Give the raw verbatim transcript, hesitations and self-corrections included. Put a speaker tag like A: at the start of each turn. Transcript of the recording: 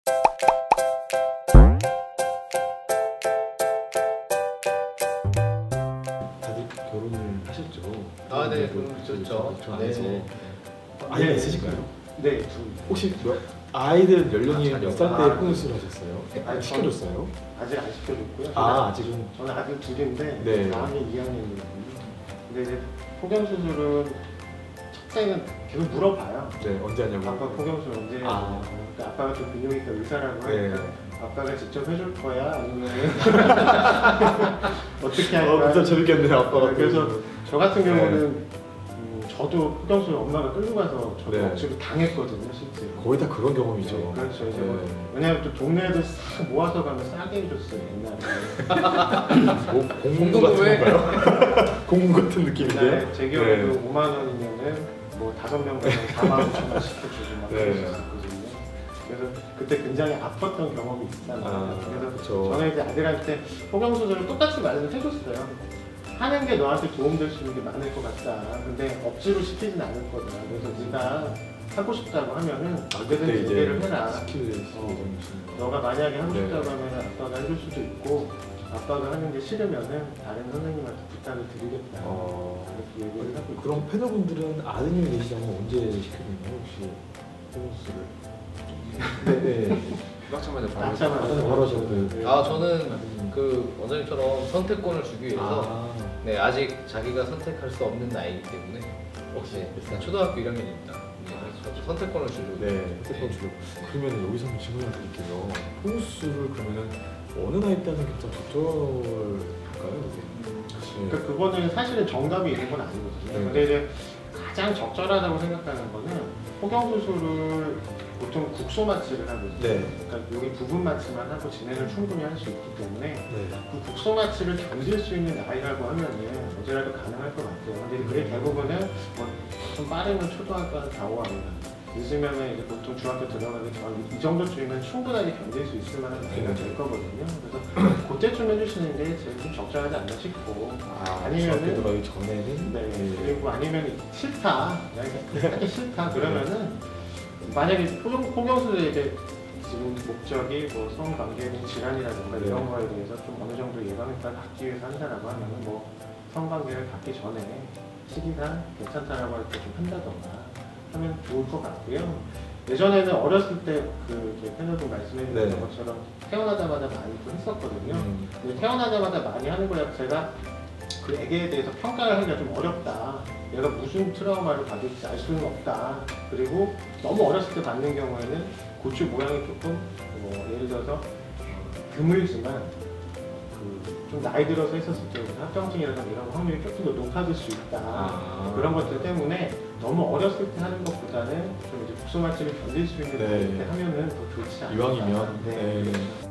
A: 다들 결혼을 하셨죠?
B: 아, 네,
A: 그래도
B: 그럼 좋죠.
A: 저
B: 네.
A: 안에서
B: 네.
A: 아이가
C: 네.
A: 있으실까요?
C: 네, 두.
A: 혹시 몇, 아이들 연령이
B: 아,
A: 몇 살 때
C: 아,
A: 혼수를 하셨어요?
C: 아,
A: 아, 시켜줬어요?
C: 아직 안 시켜줬고요.
A: 아, 아직은.
C: 저는 아직 둘인데
A: 네.
C: 다음이 이 학년이거든요. 근데 이제 포경 수술은 첫째는 계속 물어봐요.
A: 네, 언제 하냐고.
C: 아빠 포경 수술 언제
A: 아.
C: 하냐고. 그러니까 아빠가 좀 비뇨기과 의사라고
A: 네.
C: 하니까 아빠가 직접 해줄 거야 아니면 어떻게
A: 어,
C: 할까?
A: 진짜 재밌겠네요, 아빠가.
C: 네, 그래서
A: 또.
C: 저 같은
A: 네.
C: 경우는 음, 저도 포경 수술 엄마가 끌고 가서 저도
A: 네.
C: 억지로 당했거든요, 실제로.
A: 거의 다 그런 경험이죠.
C: 네, 그렇죠. 이제
A: 네.
C: 뭐, 왜냐면 또 동네에도 싹 모아서 가면 싸게 해줬어요 옛날에.
A: 뭐, 공문 같은
B: 공문구에.
A: 건가요? 공문 같은 느낌인데요?
C: 옛날에 제 경우에도
A: 네.
C: 오만 원이면은 뭐 다섯 명 가면 사만 오천 원씩 해주고 막
A: 네.
C: 그랬었거든요. 그래서 그때 굉장히 아팠던 경험이 있단 말이에요.
A: 아,
C: 그래서
A: 그쵸.
C: 저는 이제 아들한테 포경 수술을 똑같이 말을 해줬어요. 하는 게 너한테 도움될 수 있는 게 많을 것 같다. 근데 억지로 시키진 않을 거다. 그래서 네가 하고 싶다고 하면은
A: 아,
C: 언제든
A: 그때 이제
C: 얘기를 해라.
A: 스킬을
C: 어,
A: 예정이시는 거.
C: 너가 만약에 하고
A: 네.
C: 싶다고 하면 아빠가 해줄 수도 있고 아빠가 하는 게 싫으면은 다른 선생님한테 부탁을 드리겠다.
A: 어,
C: 그렇게 얘기를 하고 있죠.
A: 그럼 패널분들은 아드님이 계시다면 언제 시켜주나요, 혹시? 호수를? 네, 네.
B: 막차마자 바로.
C: 낳자마자
A: 아드님 바로 하셨고요.
C: 네.
B: 아, 저는 그 원장님처럼 선택권을 주기 위해서
A: 아,
B: 네, 아직 자기가 선택할 수 없는 나이기 때문에
A: 혹시
B: 네,
A: 몇 살?
B: 초등학교 일 학년입니다. 네, 그래서 선택권을 주려고.
A: 네, 선택권 주려고. 그러면 여기서 한번 질문을 드릴게요. 호수를 그러면은 어느 나이 때 하는 게 좀 적절할까요, 이게?
C: 그러니까 그거는 사실은 정답이 있는 건 아니거든요.
A: 네.
C: 근데 이제 가장 적절하다고 생각하는 거는 포경 수술을 보통 국소 마취를 하거든요.
A: 네.
C: 그러니까 여기 부분 마취만 하고 진행을 충분히 할 수 있기 때문에
A: 네.
C: 그 국소 마취를 견딜 수 있는 나이라고 하면은 언제라도 가능할 것 같아요. 근데 그게 대부분은 뭐 좀 빠르면 초등학교 한 사, 오 학년, 늦으면은 이제 보통 중학교 들어가기 전 이 정도쯤이면 충분하게 견딜 수 있을 만한 나이가 될 거거든요. 그래서 그때쯤 해주시는 게 제일 좀 적절하지 않나 싶고
A: 아,
C: 아니면은-
A: 중학교 들어가기 전에는
C: 네, 그리고 아니면 싫다, 하기 싫다 그러면은 만약에 포경, 포경수술의 이제 지금 목적이 뭐 성관계 및 질환이라든가
A: 네.
C: 이런 거에 대해서 좀 어느 정도 예방효과를 갖기 위해서 한다라고 하면은 뭐 성관계를 갖기 전에 시기가 괜찮다라고 할 때 좀 한다던가 하면 좋을 것 같고요. 예전에는 어렸을 때그 패널분 말씀해 주신
A: 네.
C: 것처럼 태어나자마자 많이 또 했었거든요.
A: 음,
C: 근데 태어나자마자 많이 하는 거 자체가 그 애기에 대해서 평가를 하기가 좀 어렵다. 얘가 무슨 트라우마를 받을지 알 수는 없다. 그리고 너무 어렸을 때 받는 경우에는 고추 모양이 조금 뭐 예를 들어서 드물지만 그 좀 나이 들어서 했었을 때 합병증이라든가 이런 확률이 조금 더 높아질 수 있다.
A: 아.
C: 그런 것들 때문에 너무 어렸을 때 하는 것보다는 좀 이제 국소 마취를 견딜 수 있는
A: 네.
C: 나이 때 하면은 더 좋지 않을까.
A: 이왕이면
C: 네.
A: 네.